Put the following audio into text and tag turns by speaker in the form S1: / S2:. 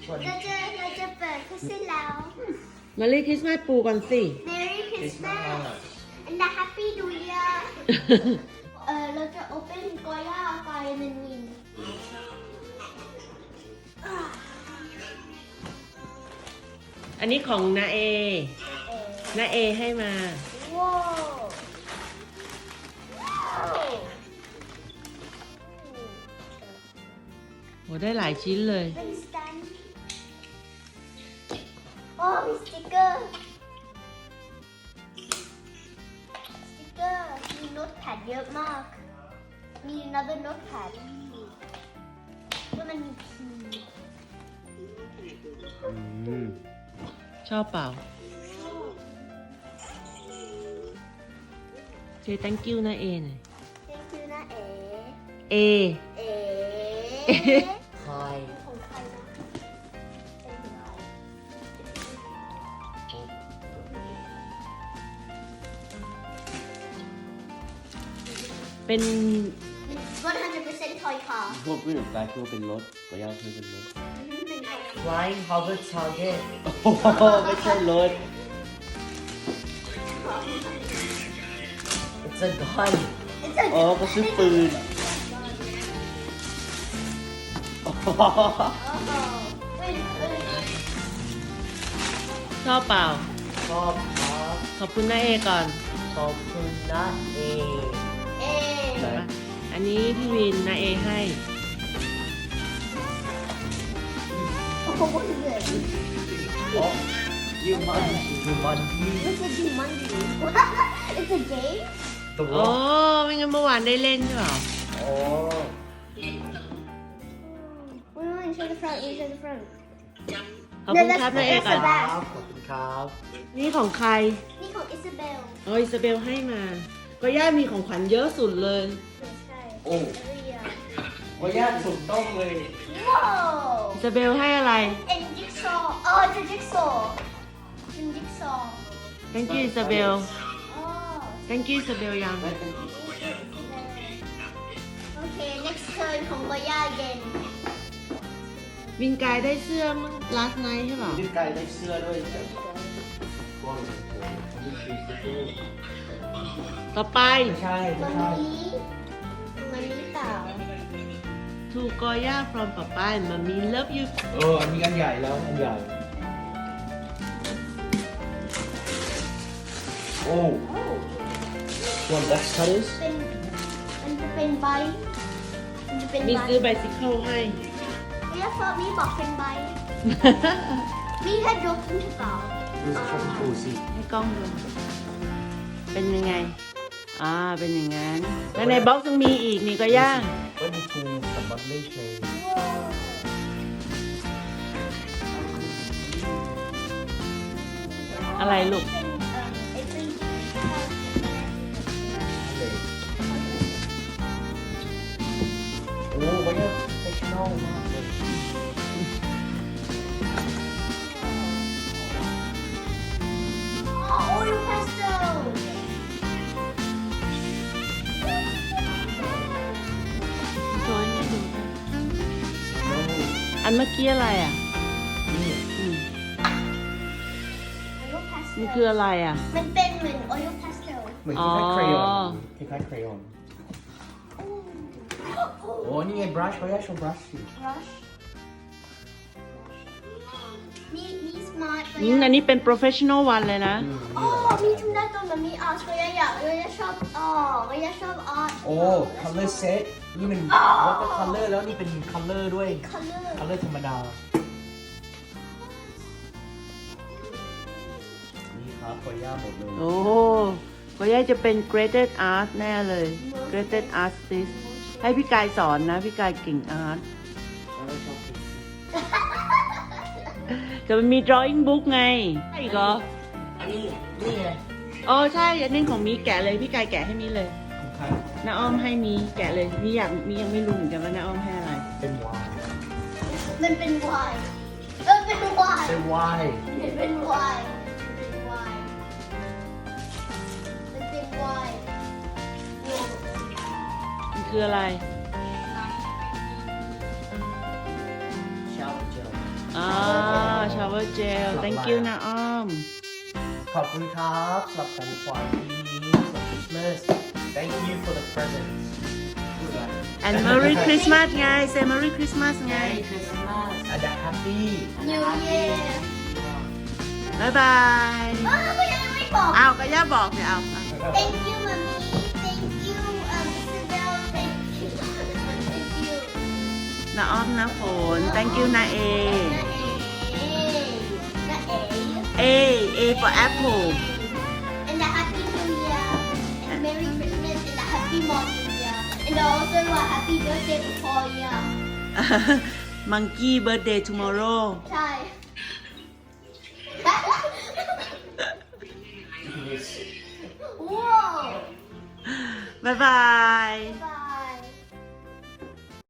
S1: เราจะเปิดคริสต์แล้ว
S2: มารีคริสต์มาสปูก่อนสิ
S1: Merry Christmas and a Happy New Year เราจะ open กอย่าไฟมันมิน
S2: อันนี้ของนาเอให้มา
S1: ว้าว
S2: โหได้หลายชิ้นเลย
S1: เป็นสแตนด์โอ้มีสติ๊กเกอร์มีโน้ตแพดเยอะมากมี another notepad แล้วมันมีพี
S2: ชอบเปล่าเจ thank you นะเอหน่อย
S1: thank you นะ
S2: เอ
S3: คอย
S1: ของใครนะเป็นของใคร
S2: เป็น
S1: 100% toy car
S3: พวกผู้หญิงกายคือเป็นรถก็ย่าคือเป็นรถ
S1: เป็นของ
S3: Flying Hover Target โอ้โหไม่ใช่รถ It's a gun อ๋อก็ซื้อปืน
S2: ชอบเปล่า
S3: ชอบครับ
S2: ขอบคุณนะเอก่อน
S3: ขอบคุณนะเอ
S1: เอ๊ะ
S2: อันนี้พี่วินนะเอให้
S1: โอ้โหเหนื่อย
S3: อ๋อยูมันพี่
S1: What's a Jumanji? It's a game?
S3: ตัว
S2: โอ้ไม่งั้นเมื่อวานได้เล่นใช่เปล่า
S3: อ๋อ
S1: Wait, show the front. Show the front.
S2: ขอบคุณครับนะเอก่อน
S3: ครับขอบคุณครับ
S2: นี่ของใคร
S1: นี่ของอิซาเบล
S2: อ๋ออิซาเบลให้มา ก็ย่ามีของขวัญเยอะสุดเลย
S1: ไม่ใช่
S3: โอ้
S1: Every year.
S3: ว่าญาติถูกต้องเลย
S1: Whoa!
S2: อิซาเบลให้อะไร
S1: And jigsaw. Oh, it's a jigsaw. It's a jigsaw.
S2: thank you อิซาเบล
S1: Oh.
S2: thank you อิซาเบลยัง
S1: Okay, next turn ของบอยา again.
S2: วินกายได้เสื้อเมื่อ last night ใช่เปล่า
S3: พี่ไก่ได้เสื้อด้วยจ้ะก้อนโอ้โหนี่คือเสื้อ
S2: ต่อไป
S3: ไม่ใช่
S1: มั
S3: ไม่
S1: น
S3: ใช่
S1: นี้เปล่า
S2: to Goya from Papa and Mommy love you
S3: อันนี้อันใหญ่แล้วอันใหญ่ โอ้ one box cutters
S1: เป็นมันจะเป็นใบมันจะเป็น
S2: มี
S1: ใบ
S2: ซื้อ bicycle ให้
S1: เรียกว่ามีบอกเป็นใบมีแค่ยกขึ้นเปล่า
S3: ดูสิครับดูสิ
S2: ให้กล้องดู เป็นยังไง เป็นอย่างนั้นแล้วในบ็อกซ์ยังมีอีกนี่ก็ย่าง
S3: ก็มีทูสำหรับเล่นเพลง
S2: อะไรลูก
S3: เลยโอ้วันนี้เฟชชั่นอลมากเลย
S1: Oil pesto
S2: โชว์ให้แม่ดูด้วย
S3: โอ้
S2: อันเมื่อกี้อะไรอ่ะ
S3: นี่
S2: อืม
S1: Oil pesto
S2: มันคืออะไรอ่ะ
S1: มันเป็นเหมือน oil pesto
S3: เหมือนคล้ายๆเครยอนคล้ายๆเครยอนโอ้นี่ไงบรัชเขาอยากโชว์บรัชสิ
S1: brush มี smart
S2: อันนี้เป็น professional one เลยนะ
S1: อ๋อมีทุกหน้าตัวมันมีอาร์ตก็อยากชอบก็อยากชอบอาร์ต
S3: โอ้ color set นี่เป็น water color แล้วนี่เป็น color ด้วย
S1: color
S3: color ธรรมดา นี่ครับขอย่าหมดเลย
S2: โอ้ก็ย่าจะเป็น graded art แน่เลย graded artist ให้พี่กายสอนนะ พี่กายเก่งอาร์ต
S3: ไม่ชอบกิน
S2: จะมันมี drawing book ไงใช่อีกเหรอ
S3: อันนี้นี่ไง
S2: อ๋อใช่อันนี้ของมีแกะเลย พี่กายแกะให้มีเลย
S3: ของใคร
S2: น้าอ้อมให้มีแกะเลยมียังไม่รู้เหมือนกันว่าน้าอ้อมให้อะไร
S3: เป็นวาย
S1: มันเป็นวายเป็นวาย
S3: เป็นวาย
S1: มันเป็นวายเป็นวายมันเป็นวาย
S2: มันคืออะไร
S3: ชาวเจล
S2: อ๋อ flower gel thank you นะอ้อม
S3: ขอบคุณครับสำหรับของขวัญปีนี้สำหรับ Christmas thank you for the presents
S2: and Merry Christmas ไง say Merry Christmas ไง
S3: and a happy
S1: New Year
S2: บายบาย
S1: ก็ยังไม่บอก
S2: เอาก็ย่าบอกเนี่ยเอา
S1: Thank you mommy Thank you Isabel Thank you Thank you
S2: นะอ้อมนะฝน thank you นะเอ
S1: น้าเอ๋
S2: A for apple
S1: and a happy New Year and Merry Christmas and a happy New Year and also a happy birthday to Koya
S2: monkey birthday tomorrow
S1: ใช่ ว้าว
S2: บายบาย
S1: บาย